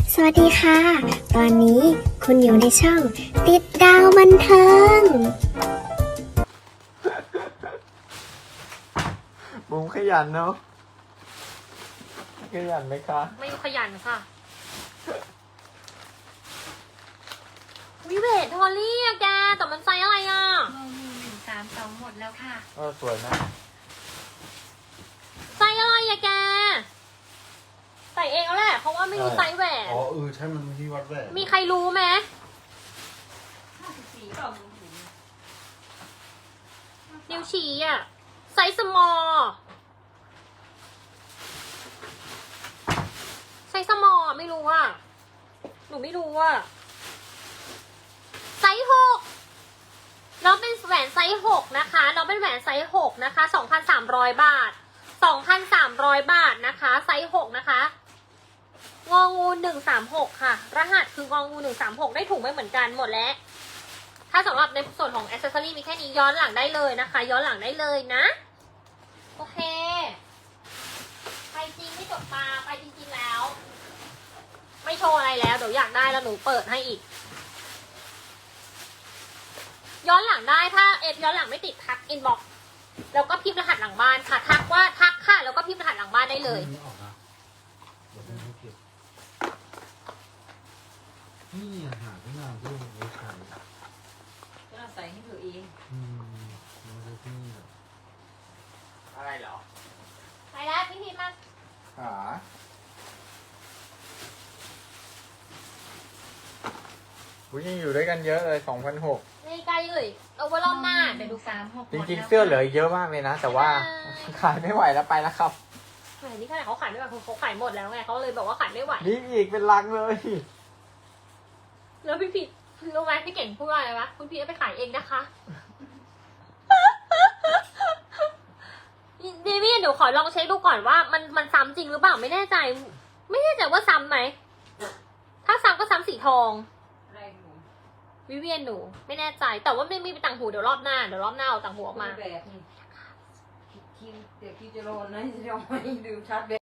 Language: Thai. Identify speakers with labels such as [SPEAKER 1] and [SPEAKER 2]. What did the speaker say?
[SPEAKER 1] สวัสดีค่ะ ตอนนี้คุณอยู่ในช่องติดดาวบันเทิง
[SPEAKER 2] บุ้มขยันเนาะขยันไหมคะ
[SPEAKER 3] ไม่ขยันค่ะ วิเวททอลลี่อะแก แต่มันไซส์อะไรอะ
[SPEAKER 4] เงิน132หมดแล้วค่ะ
[SPEAKER 2] สวยนะ
[SPEAKER 3] ไซส์อะไรอะแก ใส่เองแล้วแหละ เพราะว่าไม่รู้ไซส์แหวน
[SPEAKER 5] อ๋อใช่มันที่วัดแหวน
[SPEAKER 3] มีใครรู้ไหม
[SPEAKER 4] 54ต่อมือถือ
[SPEAKER 3] นิ้วชี้อะไซส์สมอลไซส์สมอลไม่รู้อะหนูไม่รู้อะไซส์6น้องเป็นแหวนไซส์6นะคะน้องเป็นแหวนไซส์6นะคะ 2,300 บาท 2,300 บาทนะคะ ไซส์6นะคะงองู136ค่ะรหัสคืององู136ได้ถุงไม่เหมือนกันหมดแล้วถ้าสำหรับในส่วนของแอ c เซสซอรี่มีแค่นี้ย้อนหลังได้เลยนะคะ ย้อนหลังได้เลยนะโอเคไปจริงไม่จบตาไปจริงๆแล้ว ไม่โชว์อะไรแล้วเดี๋ยวอยากได้แล้วหนูเปิดให้อีก ย้อนหลังได้ถ้าเอฟย้อนหลังไม่ติดทักอินบ็อกซ์แล้วก็พิมพ์รหัสหลังบ้านค่ะทักว่าทักค่ะแล้วก็พิมพ์รหัสหลังบ้านได้เลย
[SPEAKER 5] ไม่ออกนะเดี๋ยวผมให้เก็บนี่อาหารที่นานที่ไว้ใช้
[SPEAKER 4] ก็ใส่ให้ตัวเอง
[SPEAKER 5] มันจะที่นี่แหละ
[SPEAKER 2] อะไรเหรอ
[SPEAKER 3] ไปแล้วพี่พีมา
[SPEAKER 2] ขาบุ้ยยังอยู่ด้วยกันเยอะเลย2,600
[SPEAKER 3] ในไกลเลยเอาไว้รอบหน้าเดี๋ยวดู
[SPEAKER 4] 36
[SPEAKER 2] จริงๆเสื้อเหลือเยอะมากเลยนะ แต่ว่าขายไม่ไหวแล้วไปแล้วครับ
[SPEAKER 3] แหมนี่ขนาดเขาขายไม่ไหวคือเขาขายหมดแล้วไงเขาเลยบอกว่าขายไม่ไหว
[SPEAKER 2] นี่อีกเป็นลังเลย
[SPEAKER 3] แล้วพี่พีรู้ไหมพี่เก่งพูดว่าอะไรวะคุณพีเอาไปขายเองนะคะดีพี่เดี๋ยวขอลองเช็คดูก่อนว่ามันซ้ำจริงหรือเปล่าไม่แน่ใจ ไม่แน่ใจว่าซ้ำไหมถ้าซ้ำก็ซ้ำสีทอง
[SPEAKER 4] อะไรหนู
[SPEAKER 3] วิเวียนหนูไม่แน่ใจ แต่ว่าไม่มีต่างหูเดี๋ยวรอบหน้าเอาต่างหูออกมา
[SPEAKER 4] แบบนี้คิวเดี๋ยวคิวจะโดนนะจะเอาไม่ดูชัดแบบ